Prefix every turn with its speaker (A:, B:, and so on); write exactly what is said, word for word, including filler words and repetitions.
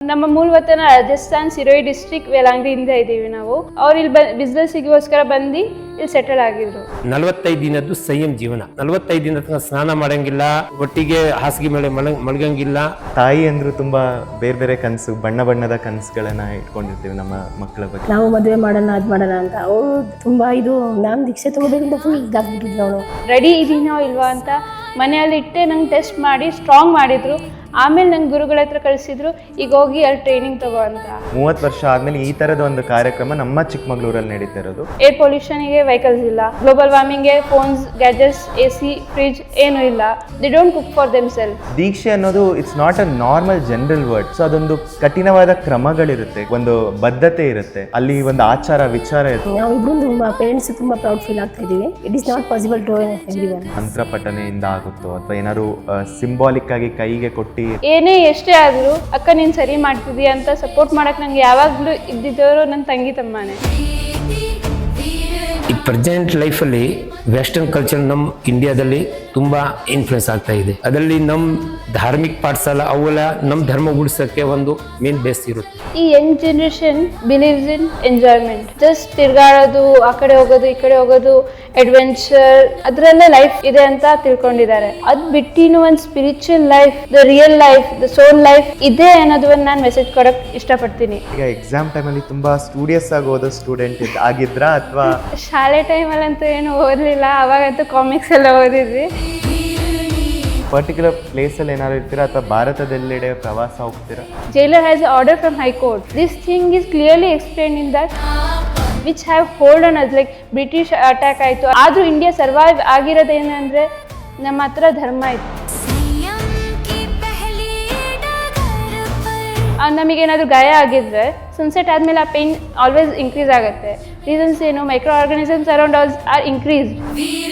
A: ನಮ್ಮ ಮೂಲವತನ ರಾಜಸ್ಥಾನ್ ಸಿರೋಯಿ ಡಿಸ್ಟ್ರಿಕ್ಟ್ ವೇಲಾಂಗ್ರಿಯಿಂದ ಇದ್ದೀವಿ ನಾವು. ಅವ್ರು ಇಲ್ಲಿ ಬ ಬಿಸ್ನೆಸ್ಸಿಗೋಸ್ಕರ ಬಂದು ಇಲ್ಲಿ ಸೆಟಲ್ ಆಗಿದ್ರು.
B: ನಲವತ್ತೈದು ದಿನದ್ದು ಸಂಯಮ ಜೀವನ. ನಲವತ್ತೈದು ದಿನ ತನಕ ಸ್ನಾನ ಮಾಡಂಗಿಲ್ಲ, ಒಟ್ಟಿಗೆ ಹಾಸಿಗೆ ಮೇಲೆ ಮಲ ಮಲಗಂಗಿಲ್ಲ.
C: ತಾಯಿ ಅಂದ್ರು ತುಂಬಾ ಬೇರೆ ಬೇರೆ ಕನಸು, ಬಣ್ಣ ಬಣ್ಣದ ಕನಸುಗಳನ್ನ ಇಟ್ಕೊಂಡಿರ್ತೀವಿ ನಮ್ಮ ಮಕ್ಕಳ ಬಗ್ಗೆ.
D: ನಾವು ಮದುವೆ ಮಾಡೋಣ ಅದ್ ಮಾಡೋಣ ಅಂತ ಅವ್ರು ತುಂಬಾ ಇದು ನಾನು ದೀಕ್ಷೆ ತಗೋಬೇಕಂತ ಫುಲ್ ಇದಾಗ್ಬಿಟ್ಟಿದ್ಲು ಅವಳು.
A: ರೆಡಿ ಇದೀನೋ ಇಲ್ವಾ ಅಂತ ಮನೆಯಲ್ಲಿ ಇಟ್ಟೆ ನಂಗೆ ಟೆಸ್ಟ್ ಮಾಡಿ ಸ್ಟ್ರಾಂಗ್ ಮಾಡಿದ್ರು. ಆಮೇಲೆ ನಂಗೆ ಗುರುಗಳ ಹತ್ರ ಕಳಿಸಿದ್ರು, ಈಗ ಹೋಗಿ ಅಲ್ಲಿ ಟ್ರೈನಿಂಗ್ ತಗೋ ಅಂತ.
C: ಮೂವತ್ತು ವರ್ಷ ಆದ್ಮೇಲೆ ಈ ತರದ ಒಂದು ಕಾರ್ಯಕ್ರಮ ನಮ್ಮ ಚಿಕ್ಕಮಗಳೂರಲ್ಲಿ ನಡೀತಾ ಇರೋದು.
A: ಏರ್ ಪೊಲ್ಯೂಷನ್ಗೆ ವೆಹಿಕಲ್ಸ್ ಇಲ್ಲ, ಗ್ಲೋಬಲ್ ವಾರ್ಮಿಂಗ್ಗೆ phones, gadgets, A C, fridge ಏನೂ ಇಲ್ಲ. They don't cook for them self.
C: ದೀಕ್ಷೆ ಅನ್ನೋದು it's not a normal general word. So ಅದೊಂದು ಕಠಿಣವಾದ ಕ್ರಮಗಳಿರುತ್ತೆ, ಒಂದು ಬದ್ಧತೆ ಇರುತ್ತೆ, ಅಲ್ಲಿ ಒಂದು ಆಚಾರ ವಿಚಾರ ಇರುತ್ತೆ.
D: ನಾವಿಬ್ರು ತುಂಬಾ ಪೇರೆಂಟ್ಸ್ ತುಂಬಾ ಪ್ರೌಡ್ ಫೀಲ್ ಆಗ್ತಾ ಇದೀವಿ. It is not possible to everyone.
C: ಮಂತ್ರ ಪಠನೆಯಿಂದ ಆಗುತ್ತೋ ಅಥವಾ ಏನಾದ್ರು ಸಿಂಬಾಲಿಕ್ ಆಗಿ ಕೈಗೆ ಕೊಟ್ಟು
A: ಏನೇ ಎಷ್ಟೇ ಆದ್ರೂ ಅಕ್ಕ ನೀನ್ ಸರಿ ಮಾಡ್ತಿದೀಯ ಅಂತ ಸಪೋರ್ಟ್ ಮಾಡಕ್ ನಂಗೆ ಯಾವಾಗ್ಲೂ ಇದ್ದಿದ್ದವರು ನನ್ನ ತಂಗಿ ತಮ್ಮನೇ.
B: ಈ ಪ್ರೆಸೆಂಟ್ ಲೈಫಲ್ಲಿ ವೆಸ್ಟರ್ನ್ ಕಲ್ಚರ್ ನಮ್ಮ ಇಂಡಿಯಾದಲ್ಲಿ ತುಂಬಾ ಇನ್ಫ್ಲುಯೆನ್ಸ್ ಆಗ್ತಾ ಇದೆ. ಅದರಲ್ಲಿ ನಮ್ಮ ಧಾರ್ಮಿಕ ಪಾಠಶಾಲ ಅವೆಲ್ಲ ನಮ್ಮ ಧರ್ಮ ಉಳಿಸೋಕ್ಕೆ ಒಂದು ಮೇನ್ ಬೇಸ್ ಇರುತ್ತೆ.
A: ಈ young generation believes in enjoyment, just ತಿರ್ಗಾಡೋದು, ಆ ಕಡೆ ಹೋಗೋದು ಈ ಕಡೆ ಹೋಗೋದು, ಅಡ್ವೆಂಚರ್, ಅದರಲ್ಲೇ ಲೈಫ್ ಇದೆ ಅಂತ ತಿಳ್ಕೊಂಡಿದ್ದಾರೆ. ಅದ್ ಬಿಟ್ಟಿನ ಒಂದು spiritual life, the real life, the soul life ಇದೆ ಅನ್ನೋದನ್ನ ನಾನು ಮೆಸೇಜ್ ಕೊಡಕ್ ಇಷ್ಟಪಡ್ತೀನಿ.
C: ಈಗ ಎಕ್ಸಾಮ್ ಟೈಮಲ್ಲಿ ತುಂಬಾ ಸ್ಟೂಡಿಯಸ್ ಆಗಿ ಓದೋ ಸ್ಟೂಡೆಂಟ್ ಆಗಿದ್ರ ಅಥವಾ
A: ಶಾಲೆ ಟೈಮಲ್ಲಂತೂ ಏನು ಓದಲಿಲ್ಲ, ಅವಾಗಂತೂ ಕಾಮಿಕ್ಸ್ ಎಲ್ಲ ಓದಿದ್ವಿ.
C: ಪರ್ಟಿಕ್ಯುಲರ್ ಪ್ಲೇಸಲ್ಲಿ ಏನಾದ್ರು ಇರ್ತೀರಾ ಅಥವಾ ಭಾರತದೆಲ್ಲೆಡೆ ಪ್ರವಾಸ ಹೋಗ್ತೀರಾ?
A: Jailer has an order from High Court. This thing is clearly explained in that which have hold on us, like British attack ಆಯಿತು. ಆದರೂ ಇಂಡಿಯಾ ಸರ್ವೈವ್ ಆಗಿರೋದೇನೆಂದರೆ ನಮ್ಮ ಹತ್ರ ಧರ್ಮ ಇತ್ತು. ನಮಗೇನಾದರೂ ಗಾಯ ಆಗಿದ್ರೆ ಸನ್ಸೆಟ್ ಆದಮೇಲೆ ಆ ಪೇನ್ ಆಲ್ವೇಸ್ ಇನ್ಕ್ರೀಸ್ ಆಗುತ್ತೆ. ರೀಸನ್ಸ್ ಏನು? Microorganisms around us are increased.